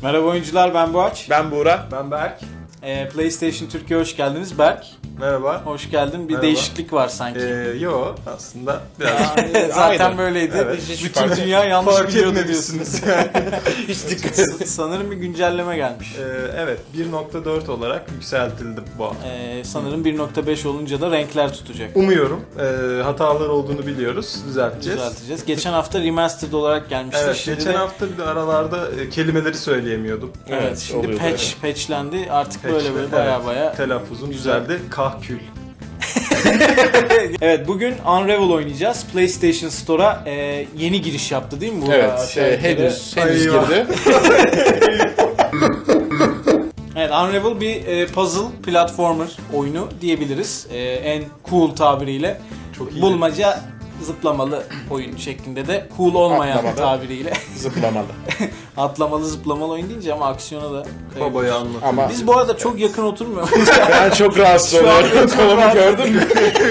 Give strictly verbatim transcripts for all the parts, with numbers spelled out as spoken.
Merhaba oyuncular, ben Boğaç. Ben Buğra. Ben Berk. Ee, PlayStation Türkiye hoş geldiniz. Berk, Merhaba. hoş geldin. Bir Merhaba. değişiklik var sanki. Ee, yo aslında biraz Aa, zaten Aynen. böyleydi. Evet. Bütün Hiç fark- dünya yanlış fark biliyordu etmemişsiniz. diyorsunuz. Hiç dikkat et. Sanırım bir güncelleme gelmiş. Ee, evet bir nokta dört olarak yükseltildi bu. Ee, sanırım bir nokta beş olunca da renkler tutacak. Umuyorum. Ee, hatalar olduğunu biliyoruz. Düzelteceğiz. Düzelteceğiz. Geçen hafta remastered olarak gelmişti. Evet, Şimdi geçen de- hafta bir de aralarda e, kelimeleri söyleyemiyordum. Evet, Evet, şimdi oluyordu, patch, evet. patchlendi. Artık Patch'le, böyle böyle baya evet. baya. Telaffuzum Güzel. düzeldi. Kahkül. Evet, bbugün Unravel oynayacağız. PlayStation Store'a e, yeni giriş yaptı değil mi bu? Evet, aşağı e, yukarı? henüz, henüz Eyvah. girdi. Evet, Unravel bir e, puzzle platformer oyunu diyebiliriz. E, en cool tabiriyle. Çok iyi. Bulmaca zıplamalı oyun şeklinde de cool olmayan Atlamalı. tabiriyle. Zıplamalı. Atlamalı zıplamalı oyun deyince ama aksiyona da kayıyor. Babayı anlatıyor. Ama Biz bu arada çok yakın oturmuyoruz. ben çok rahatsız Şu an oluyorum. çok Kolumu rahatsız. gördün mü?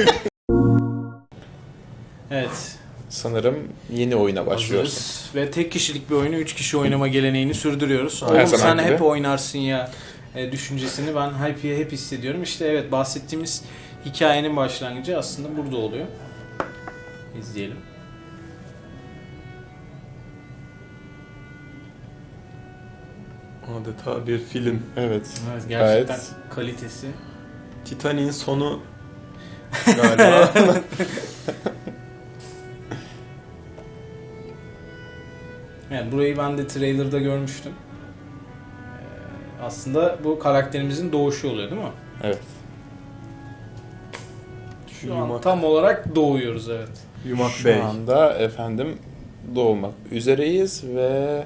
Evet. Sanırım yeni oyuna başlıyoruz. Hazırız. Ve tek kişilik bir oyunu üç kişi oynama geleneğini sürdürüyoruz. Her Oğlum zaman sen gibi. hep oynarsın ya e, düşüncesini ben hep, hep hissediyorum. İşte evet, bahsettiğimiz hikayenin başlangıcı aslında burada oluyor. İzleyelim. Adeta bir film. Evet. Evet, gerçekten Gayet. kalitesi. Titanic'in sonu galiba. Yani burayı ben de trailer'da görmüştüm. Ee, aslında bu karakterimizin doğuşu oluyor değil mi? Evet. Şu an Yumak. tam olarak doğuyoruz, evet. Yumak Şu Bey. anda efendim doğmak üzereyiz ve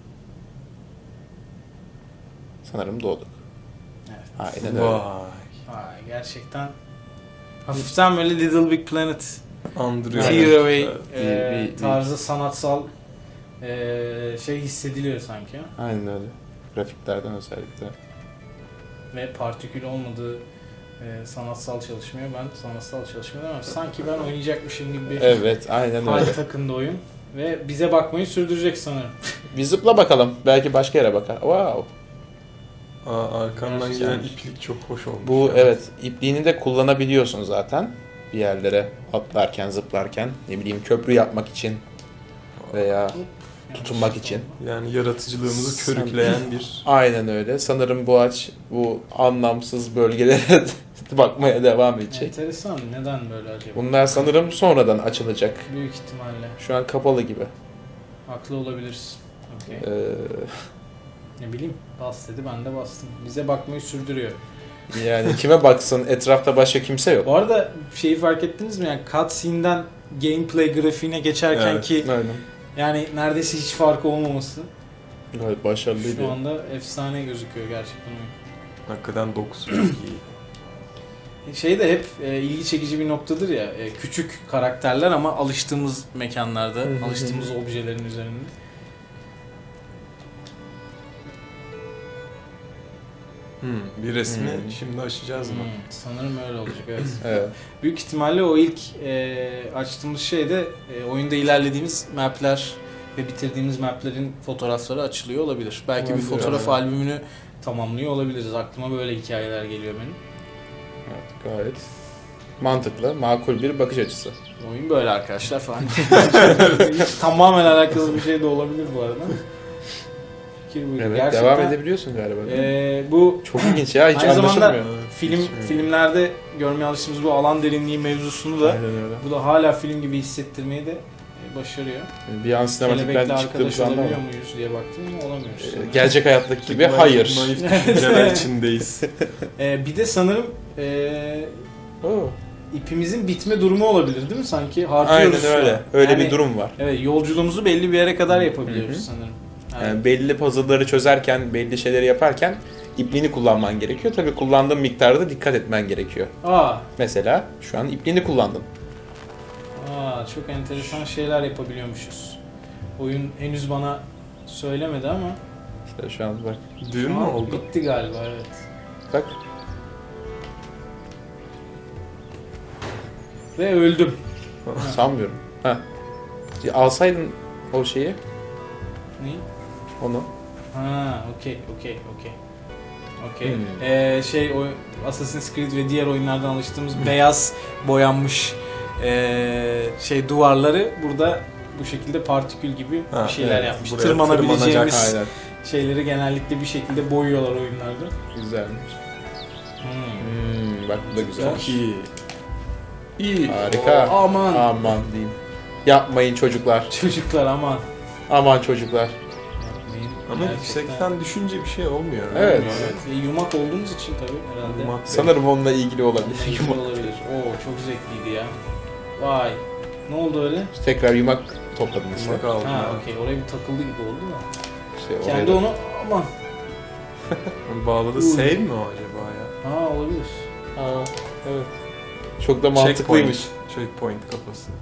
sanırım doğduk. Evet. Aynen öyle. Vay. Vay, gerçekten hafiften böyle Little Big Planet Andırıyor. Tearaway Evet. e, Bir- bir- bir- tarzı sanatsal e, şey hissediliyor sanki. Aynen öyle. Grafiklerden özellikle. Ve partikül olmadığı e, sanatsal çalışmaya ben sanatsal çalışmaya demem. Sanki ben oynayacakmışım gibi bir Evet, aynen hal öyle. takındı oyun. Ve bize bakmayı sürdürecek sanırım. Bir zıpla bakalım. Belki başka yere bakar. Wow. Aa, arkamdan Güzelmiş. gelen iplik çok hoş olmuş. Bu ya. evet, ipliğini de kullanabiliyorsun zaten. Bir yerlere atlarken, zıplarken, ne bileyim köprü yapmak için veya tutunmak için. Yani yaratıcılığımızı Sen- körükleyen bir... Aynen öyle. Sanırım bu ağaç bu anlamsız bölgelere bakmaya devam edecek. Enteresan. Neden böyle acaba? Bunlar sanırım sonradan açılacak. Büyük ihtimalle. Şu an kapalı gibi. Haklı olabiliriz. Okay. Ee, Ne bileyim, bas dedi, ben de bastım. Bize bakmayı sürdürüyor. yani kime baksın, etrafta başka kimse yok. Bu arada şeyi fark ettiniz mi? Yani cutscene'den gameplay grafiğine geçerken Evet. ki Aynen. yani neredeyse hiç farkı olmaması. Gayet başarılıydı. Şu anda efsane gözüküyor gerçekten oyun. Hakikaten dokusu çok iyi. Şey de hep e, ilgi çekici bir noktadır ya. E, küçük karakterler ama alıştığımız mekanlarda, Hı hı. alıştığımız objelerin üzerinde. Hmm, bir resmi Hmm. şimdi aşacağız mı? Hmm, sanırım öyle olacak, evet. Evet. Büyük ihtimalle o ilk e, açtığımız şeyde e, oyunda ilerlediğimiz mapler ve bitirdiğimiz maplerin fotoğrafları açılıyor olabilir. Belki bir Olabilir, fotoğraf evet. albümünü tamamlıyor olabiliriz. Aklıma böyle hikayeler geliyor benim. Evet, gayet mantıklı, makul bir bakış açısı. Oyun böyle arkadaşlar falan. Hiç tamamen alakalı bir şey de olabilir bu arada. Fikir buydu. Evet, Gerçekten, devam edebiliyorsun galiba. değil mi? e, bu Çok ilginç ya, hiç Aynı zamanda- anlaşılmıyor. film Hiç- filmlerde görmeye alıştığımız bu alan derinliği mevzusunu da Aynen öyle. bu da hala film gibi hissettirmeyi de e, başarıyor. Bir an sinematikten Kelebekle çıktığımız arkadaş anda olabiliyor ama muyuz diye baktım ama olamıyoruz. e, gelecek hayattaki gibi Naif- hayır. Naif düşünceler içindeyiz. Ee, bir de sanırım ee, Oo. ipimizin bitme durumu olabilir değil mi? Sanki harcıyoruz Aynen şu öyle. an. Öyle Yani, bir durum var. Evet, yolculuğumuzu belli bir yere kadar yapabiliyoruz Hı hı. sanırım. Evet. Yani belli puzzle'ları çözerken, belli şeyleri yaparken ipliğini kullanman gerekiyor. Tabii kullandığın miktarda dikkat etmen gerekiyor. Aa, Mesela şu an ipliğini kullandın. aa, çok enteresan şeyler yapabiliyormuşuz. Oyun henüz bana söylemedi ama İşte şu an bak. Düğün şu mü an oldu? bitti galiba, evet. Bak. Ve öldüm. Sanmıyorum. Ha. Alsaydın o şeyi, Ne? onu. Ha, okey, okey, okey. Okey. Hmm. Ee, şey, o Assassin's Creed ve diğer oyunlardan alıştığımız beyaz boyanmış ee, şey duvarları burada bu şekilde partikül gibi Ha, bir şeyler evet. yapmış. Buraya Tırmanabileceğimiz Aynen. şeyleri genellikle bir şekilde boyuyorlar oyunlarda. Güzelmiş. Hmm. Hmm, bak bu da güzel. Çok iyi. İyi. Harika. Oo, aman. Aman diyeyim. Yapmayın çocuklar. Çocuklar aman. Aman çocuklar. Yapmayın. Ama Gerçekten. yüksekten düşünce bir şey olmuyor. Evet. Evet. E, yumak olduğumuz için tabii herhalde. Yumak. Sanırım onunla ilgili olabilir. Bununla ilgili olabilir. Oo, çok zevkliydi ya. Vay. Ne oldu öyle? Tekrar yumak topladım işte. Yumak aldım. Ha, ben. okey. Oraya bir takıldı gibi oldu da. İşte oraya Kendi da- onu aman. Onu bağladı. Uy. Save mi o acaba ya? Ha, olabilir. Aa, evet. Çok da mantıklıymış. Checkpoint, checkpoint kafası.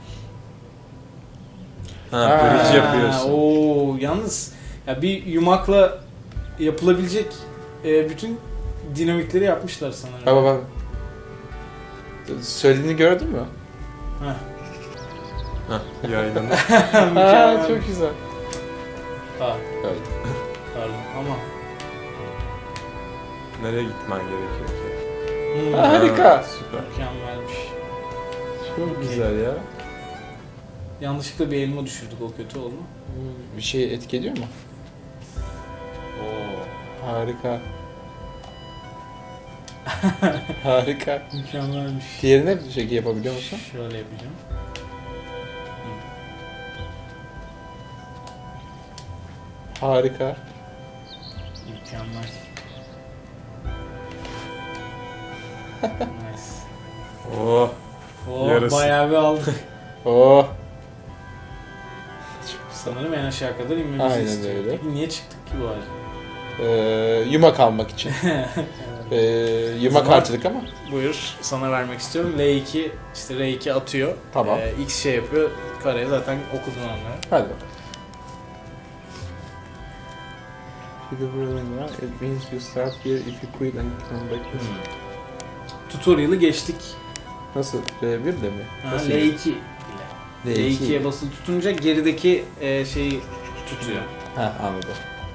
Ha, Ha. bridge yapıyorsun. Oo, yalnız ya bir yumakla yapılabilecek e, bütün dinamikleri yapmışlar sanırım. Bak bak bak. Söylediğini gördün mü? Heh. Hah, yaylanır. Mükemmel. Aa, çok güzel. Ha, Evet. pardon ama. Nereye gitmen gerekiyor ki? Hmm, Harika. Ha, süper. mükemmelmiş. Çok güzel ya. Yanlışlıkla bir elma düşürdük, o kötü oldu mu? Bir şey etki ediyor mu? Oo. Harika. Harika. Mükemmelmiş. Diğerine bir şey yapabiliyor musun? Şöyle yapacağım. Harika. Mükemmel. Nice. Oh. Oo, Yarısı. bayağı bir aldık. Oh. Sanırım en aşağı kadar inmemizi Aynen istiyor. öyle. Peki niye çıktık ki bu halde? Ee, yumak almak için. Ee, yumak Zaman- harcadık ama. Buyur, sana vermek istiyorum. L iki, işte R iki atıyor. Tamam. Ee, X şey yapıyor. Kareye zaten okudun onları. Hadi bakalım. It means you start here if you quit and come back. Tutorial'ı geçtik. Nasıl? R bir de mi? Ha, Nasıl? L iki ile. L L iki. ikiye basılı tutunca gerideki e, şeyi tutuyor. Ha, anladım.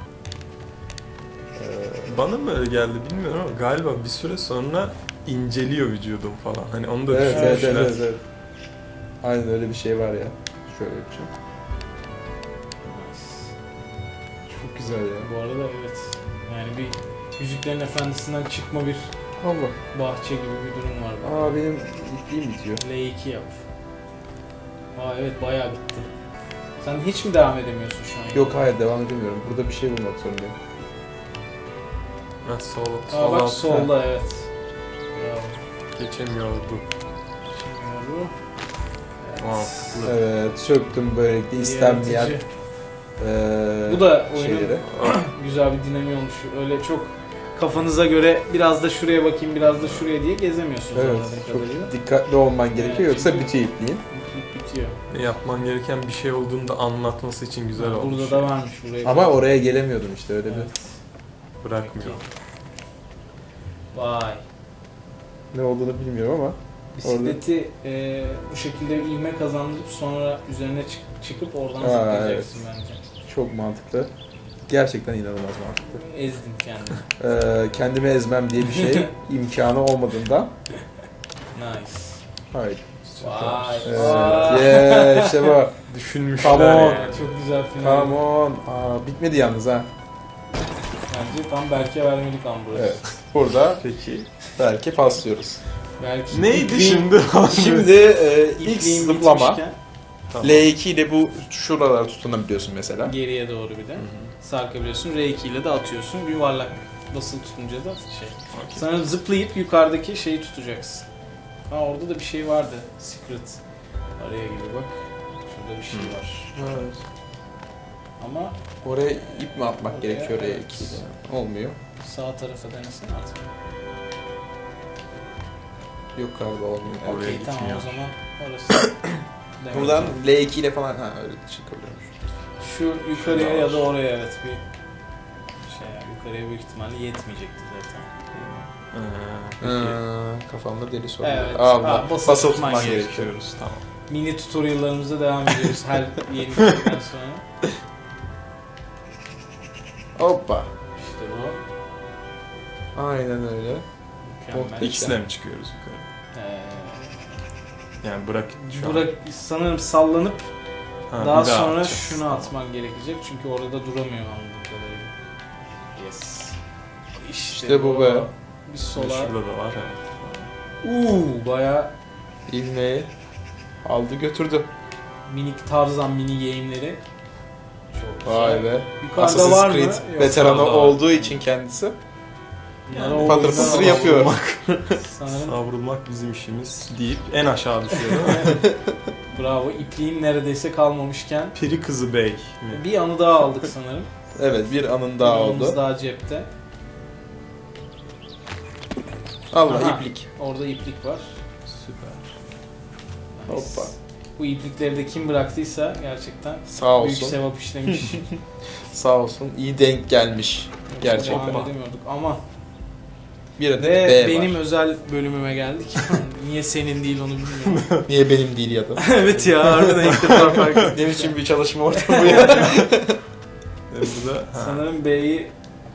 Bana mı öyle geldi bilmiyorum ama galiba bir süre sonra inceliyor vücudum falan. Hani onu da Evet, evet, evet, düşünmüşler. evet, evet. Aynen öyle bir şey var ya. Şöyle yapacağım. Çok güzel ya. Bu arada evet. Yani bir Yüzüklerin Efendisi'nden çıkma bir Allah. bahçe gibi bir durum var. burada. Aa, benim ipliğim bitiyor. L iki yap. Aa evet, bayağı bitti. Sen hiç mi devam edemiyorsun şu an? Yok, hayır, devam edemiyorum. Burada bir şey bulmak zorundayım. Ha, sol, Aa sol bak alt. solda, evet. Bravo. Geçemiyordu. Şimdi bu. Evet. Mantıklı. Evet, söktüm böylelikle istenmeyen Yaratıcı. eee Bu da oyunun şeyleri. güzel bir dinamiği olmuş. Öyle çok kafanıza göre biraz da şuraya bakayım, biraz da şuraya diye gezemiyorsunuz. Evet, anladığım kadarıyla. çok dikkatli olman gerekiyor, Evet, yoksa çünkü- bitiyor ipliğin. Bit- Bitiyor. Yapman gereken bir şey olduğunda anlatması için güzel olmuş. Burada da varmış buraya. Ama oraya gelemiyordum işte, öyle bir. Evet. Bırakmıyor. Vay. Ne olduğunu bilmiyorum ama. Bisikleti e, bu şekilde bir ivme kazandırıp sonra üzerine çık- çıkıp oradan Aa, zıplayacaksın bence. Çok mantıklı. Gerçekten inanılmaz mantıklı. Ezdin kendini. Eee kendimi ezmem diye bir şey imkanı olmadığından. Nice. Hayır. Vay. Evet. Vay. Yeah, işte bu. Düşünmüşler Come on. yani. Çok güzel final. Come on. Aa, bitmedi yalnız ha. Bence tam Berk'e vermelik an burası. Evet. Burada Peki. belki paslıyoruz. Belki Neydi ipliğin- şimdi? Şimdi e, ilk ipliğin zıplama. bitmişken Tamam. L iki ile bu şuralara tutunabiliyorsun mesela. geriye doğru bir de sarkabiliyorsun. R iki ile de atıyorsun. Yuvarlak basılı tutunca da şey. Okey. Sana zıplayıp yukarıdaki şeyi tutacaksın. Ha, orada da bir şey vardı. Secret. Araya gibi bak. Şurada bir şey Hmm. var. Evet. Ama Oraya ip mi atmak Oraya, gerekiyor evet. R iki ile? Olmuyor. sağ tarafa denesene artık. Yok galiba olmuyor. Oraya Okey, tamam gitmiyor. o zaman orası. Demek Buradan ki L iki ile falan ha öyle çıkabiliyormuş. şu yukarıya ya da oraya evet bir şey yani yukarıya büyük ihtimalle yetmeyecekti zaten. Ee, Ee, peki. kafamda deli soru. Evet. Aa, Aa, basılı, basılı basılı tutman tutman gerekiyor. gerekiyor. Geçiyoruz tamam. Mini tutorial'larımıza devam ediyoruz her yeni bölümden sonra. Hoppa. İşte bu. Aynen öyle. Mükemmel. Hiç- X'le mi çıkıyoruz yukarı? Ee, Yani bırak şu Burak sanırım sallanıp an. Ha, daha bir sonra atacağız. şunu atman gerekecek çünkü orada duramıyor anladığım kadarıyla. Yes. İşte, İşte bu be. Bir Bir sola. Şurada da var evet. Uuu baya İlmeği aldı götürdü. minik Tarzan mini game'leri. Çok güzel. Vay be. Yukarıda Assassin's var mı? Creed Yok. veteranı yukarıda var. olduğu için kendisi Bunları Yani o patır yüzden patır var. yapıyor. Sanırım Savrulmak bizim işimiz deyip en aşağı düşüyor. bravo. İpliğin neredeyse kalmamışken Peri Kızı Bey mi? bir anı daha aldık sanırım. Evet bir anın daha Bir anımız oldu. daha cepte. Allah Aha. iplik. Orada iplik var. Süper. Nice. Hoppa. Bu iplikleri de kim bıraktıysa gerçekten Sağ büyük olsun. sevap işlemiş. Sağ olsun. İyi denk gelmiş. Gerçekten. Devam edemiyorduk ama Bir adet ve B benim var. özel bölümüme geldik. Niye senin değil onu bilmiyorum. Niye benim değil ya da. Evet ya harbiden ilk defa fark ettim. Ne biçim bir çalışma ortamı bu ya. Ve bu da ha, Sanırım B'yi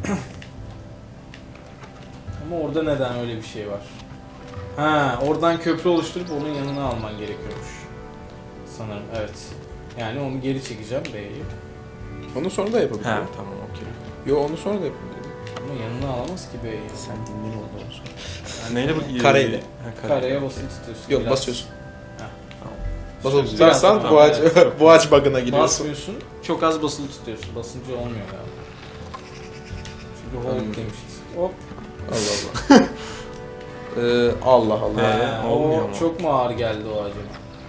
ama orada neden öyle bir şey var? Ha, oradan köprü oluşturup onun yanına alman gerekiyormuş. Sanırım evet. Yani onu geri çekeceğim B'yi. Onu sonra da yapabilirim. ha tamam okey. Yo onu sonra da yapabilirim. Ama yanına alamaz ki B'yi. Sen dinleyin ondan sonra. Ha, neyle bu? Kareyle. Ha, kare. Kareye basılı tutuyorsun. Yok biraz. basıyorsun. Ha. Basılı Biraz tutarsan daha- bu ağaç, Evet. bu ağaç bug'ına giriyorsun. Basmıyorsun. Çok az basılı tutuyorsun. Basınca olmuyor galiba. Çünkü hold Hmm. demişiz. Hop. Allah Allah. ee, Allah Allah. Ee, Ha, olmuyor o mu? çok mu ağır geldi o acaba?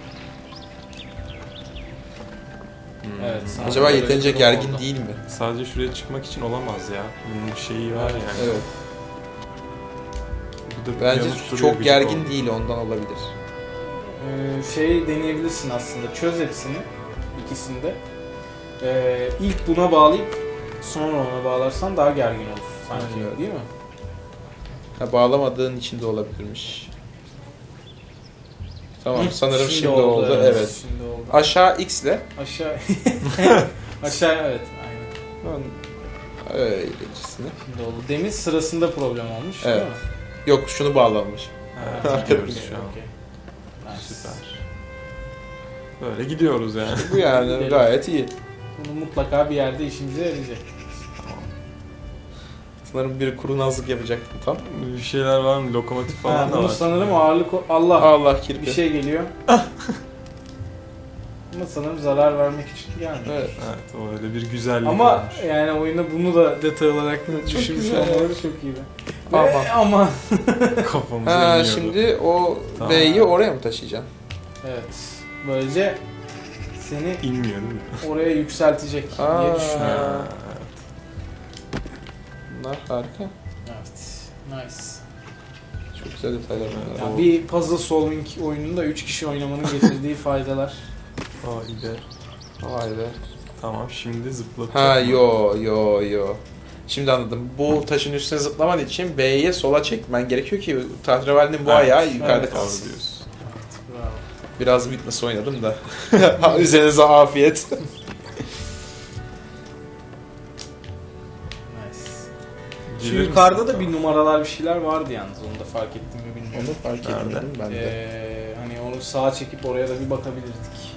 Hmm. Evet, sana- Acaba Böyle yeterince bir durum gergin oldu. değil mi? Sadece şuraya çıkmak için olamaz ya. Bunun bir şeyi var Evet. yani. Evet. Bu da bir Bence yanlış duruyor, çok gıcık gergin oldu. değil ondan olabilir. Ee, şey deneyebilirsin aslında. Çöz hepsini. İkisini de. Ee, ilk buna bağlayıp sonra ona bağlarsan daha gergin olur sanki. Evet. Değil mi? Ha, bağlamadığın için de olabilirmiş. Tamam Hı, sanırım şimdi, oldu. Evet. Şimdi oldu. Aşağı X ile. Aşağı. Aşağı evet. Aynen. Öylecisine. Şimdi oldu. Demin sırasında problem olmuş. Evet. Değil mi? Yok şunu bağlanmış. Evet, gidiyoruz Okey, şu an. okey. Nice. Süper. Böyle gidiyoruz yani. Bu yani Gidelim. gayet iyi. Bunu mutlaka bir yerde işimize yarayacak. Sanırım biri kurnazlık yapacaktım tam. Bir şeyler var mı? Lokomotif falan Ha, da bunu var. sanırım ağırlık... o- Allah! Allah kirpi. Bir şey geliyor. Ama sanırım zarar vermek için gelmiyor. Evet. Evet, o öyle bir güzellik Ama olmuş. yani oyunda bunu da detay olarak düşünmüş güzel. olmaları çok iyiydi. Ama. Ve ama Kafamıza Ha iniyordu. şimdi o Tamam. B'yi oraya mı taşıyacaksın? evet. Böylece seni İnmiyor değil mi? oraya yükseltecek Aa. diye düşünüyorum. Ha, Bunlar harika. Evet. Nice. Çok güzel detaylar bunlar. Ya O- bir puzzle solving oyununda üç kişi oynamanın getirdiği faydalar. Vay be. Vay be. Tamam şimdi zıplatacak. Ha mı? yo yo yo. Şimdi anladım. Bu taşın üstüne zıplaman için B'ye sola çekmen gerekiyor ki tahterevalinin bu Evet. ayağı yukarıda Evet. kalsın. Doğru diyorsun. Bravo. Biraz Witness oynadım da. Üzerinize afiyet. Nice. Şu Gelir misin? yukarıda da bir numaralar bir şeyler vardı yalnız. Onu da fark ettim mi bilmiyorum. Onu fark Nerede? etmedim ben de. Ee, hani onu sağa çekip oraya da bir bakabilirdik.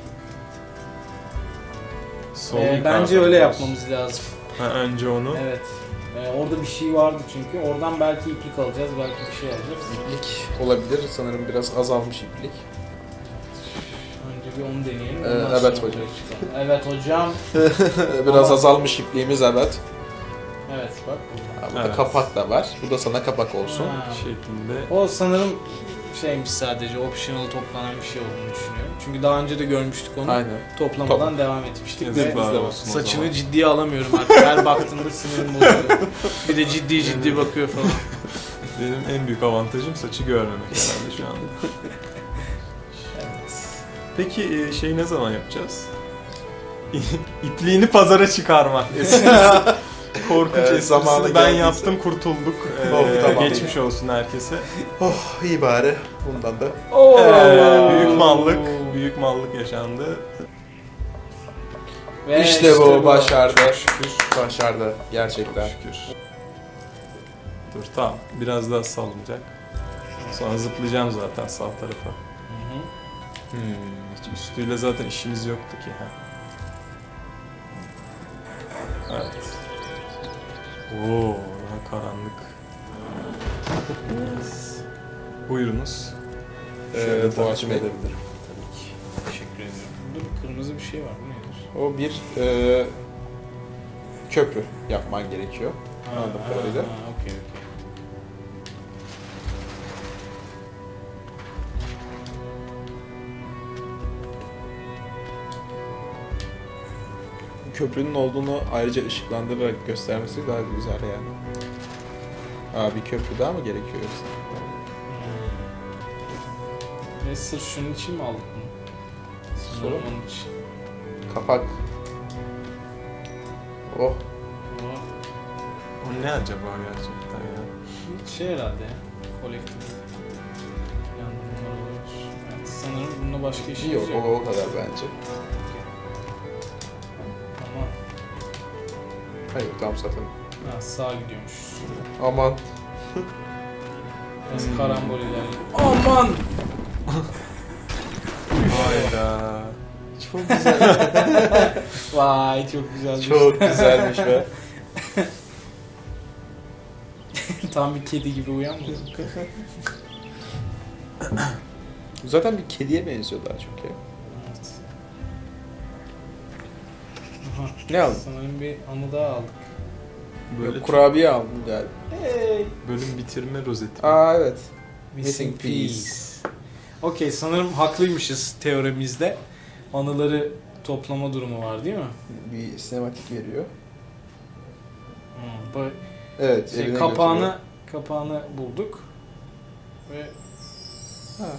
Sol Ee, yukarıda bence öyle diyorsun. yapmamız lazım. Ha, önce onu. Evet. Ee, orada bir şey vardı çünkü. Oradan belki iplik alacağız, belki bir şey alacağız. İplik olabilir. Sanırım biraz azalmış iplik. Önce bir onu deneyelim. Ee, ondan evet sonra hocam. oraya çıkalım. Evet hocam. biraz Ama- azalmış ipliğimiz evet. Evet bak. Ha, burada Evet. kapak da var. Bu da sana kapak olsun. Ha. şeklinde. O sanırım şeymiş sadece optional toplanan bir şey olduğunu düşünüyorum. Çünkü daha önce de görmüştük onu. Aynen. Toplamadan devam etmiştik ve Yazıklar de olsun o saçını zaman. ciddiye alamıyorum artık. Her baktığımda sinirim bozuluyor. Bir de ciddi ciddi bakıyor falan. Benim en büyük avantajım saçı görmemek herhalde şu anda. Evet. Peki e, şeyi ne zaman yapacağız? İpliğini pazara çıkarmak. Esprisi. Korkunç Evet, esprisini zamanı ben geldiyse. yaptım, kurtulduk. Ee, Oh, tamam. Geçmiş olsun herkese. Oh iyi bari. Bundan da. Oo. Ee, büyük mallık, büyük mallık yaşandı. Ve işte, bu başardı. Çok şükür. Başardı gerçekten. Çok şükür. Dur tamam. Biraz daha salınacak. Sonra zıplayacağım zaten sağ tarafa. Hı hı. Hmm. Hiç üstüyle zaten işimiz yoktu ki. Ha. Evet. Oo, daha karanlık. Buyurunuz. Şöyle Ee, takip Boğaç Bey. edebilirim. Tabii ki. Teşekkür ediyorum. Burada bir kırmızı bir şey var. Bu nedir? O bir e, köprü yapman gerekiyor. Anladığım kadarıyla. Ha, okey okey. Köprünün olduğunu ayrıca ışıklandırarak göstermesi daha güzel yani. Aa, bir köprü daha mı gerekiyor yoksa? Ve sırf şunun için mi aldık bunu? Sonra mı? Onun için. Kapak. Oh. Bu O ne acaba gerçekten ya? bir şey herhalde ya. Kolektif. Yani bunlar olabilir. Evet, sanırım bununla başka işimiz Yok, yok. o, o kadar bence. Ama Hayır, tam zaten. ha, sağa gidiyormuş. Aman. Biraz Hmm. karambol ilerliyor. Aman! Hayda. Çok güzel. Vay çok güzel. Çok güzelmiş be. Tam bir kedi gibi uyanmadı. Zaten bir kediye benziyor daha çok ya. Evet. Aha, Ne aldın? sanırım bir anı daha aldık. Böyle Yok, kurabiye aldım galiba. Hey! bölüm bitirme rozeti. Aa evet. Missing Missing piece. piece. Okey, sanırım haklıymışız teoremizde. Anıları toplama durumu var değil mi? Bir sinematik veriyor. Hmm, bu Evet. şey, eline kapağını götürüyor. kapağını bulduk ve Ha.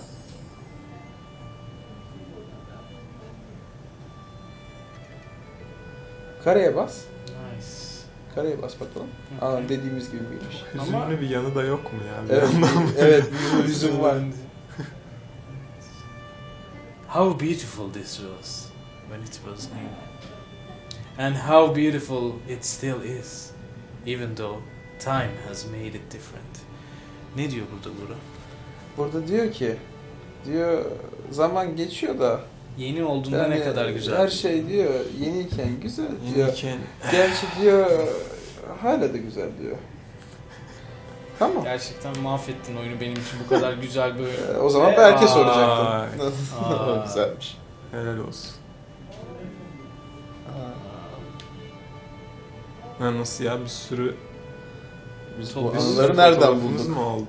Kareye bas. nice. Kareye bas bakalım. Hı. Aa, dediğimiz gibi miymiş? Hüzünlü Ama- bir yanı da yok mu ya? Bir Evet, yandan? bir- evet, bir yüzüm var. How beautiful this was when it was new. And how beautiful it still is, even though time has made it different. Ne diyor burada Bura? Burada diyor ki, diyor zaman geçiyor da Yeni olduğunda yani ne kadar güzel. her şey diyor yeniyken güzel diyor. Yeniyken Gerçi diyor hala da güzel diyor. Tamam. Gerçekten mahvettin oyunu benim için bu kadar güzel böyle. Ee, o zaman Ve- belki Aa, soracaktım. Aa. Güzelmiş. helal olsun. Ha, nasıl ya bir sürü Biz Çok bu güzel. anıları nereden fotoğrafımız bulduk? mu oldu?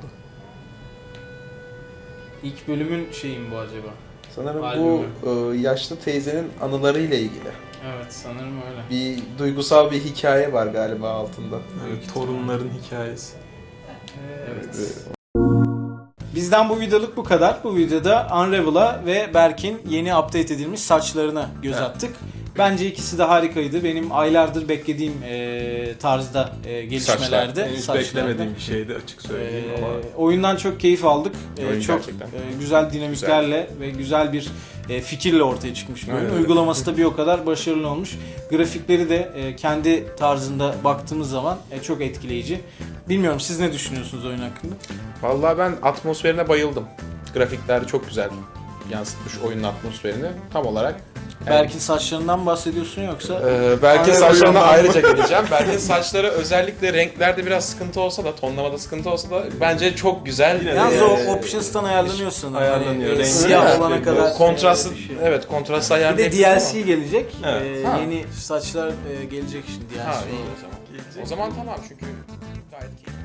İlk bölümün şeyi mi bu acaba? Sanırım Albümü. bu e, yaşlı teyzenin anılarıyla ilgili. Evet, sanırım öyle. Bir duygusal bir hikaye var galiba altında. Evet, torunların hikayesi. Evet. Ee, Bizden bu videoluk bu kadar. Bu videoda Unravel'a ve Berk'in yeni update edilmiş saçlarına göz Evet. attık. Bence ikisi de harikaydı. Benim aylardır beklediğim e, tarzda e, gelişmelerdi. Henüz saçlarda. beklemediğim bir şeydi açık söyleyeyim Ee, ama. oyundan çok keyif aldık. Ee, Oyun çok gerçekten. e, güzel dinamiklerle ve güzel bir e, fikirle ortaya çıkmış bir oyun. Aynen öyle. Uygulaması da bir o kadar başarılı olmuş. Grafikleri de e, kendi tarzında baktığımız zaman e, çok etkileyici. Bilmiyorum, siz ne düşünüyorsunuz oyun hakkında? Vallahi ben atmosferine bayıldım. Grafikler çok güzel yansıtmış oyunun atmosferini tam olarak. Yani, Berk'in saçlarından bahsediyorsun yoksa? e, belki Aynen, saçlarına oyundan. ayrıca geleceğim. Belki saçları özellikle renklerde biraz sıkıntı olsa da, tonlamada sıkıntı olsa da bence çok güzel. Yine de Yalnız Ee, o options'tan ayarlanıyor sanırım. Ayarlanıyor, Hani, e, rengi siyah ayarlanıyor. olana kadar. kontrastlı, e, bir şey. evet kontrastlı Bir de ayarlayabilir D L ama- C gelecek. Evet. E, Ha. yeni saçlar e, gelecek şimdi D L C Ha, iyi olarak. o zaman. O zaman tamam çünkü gayet keyifli.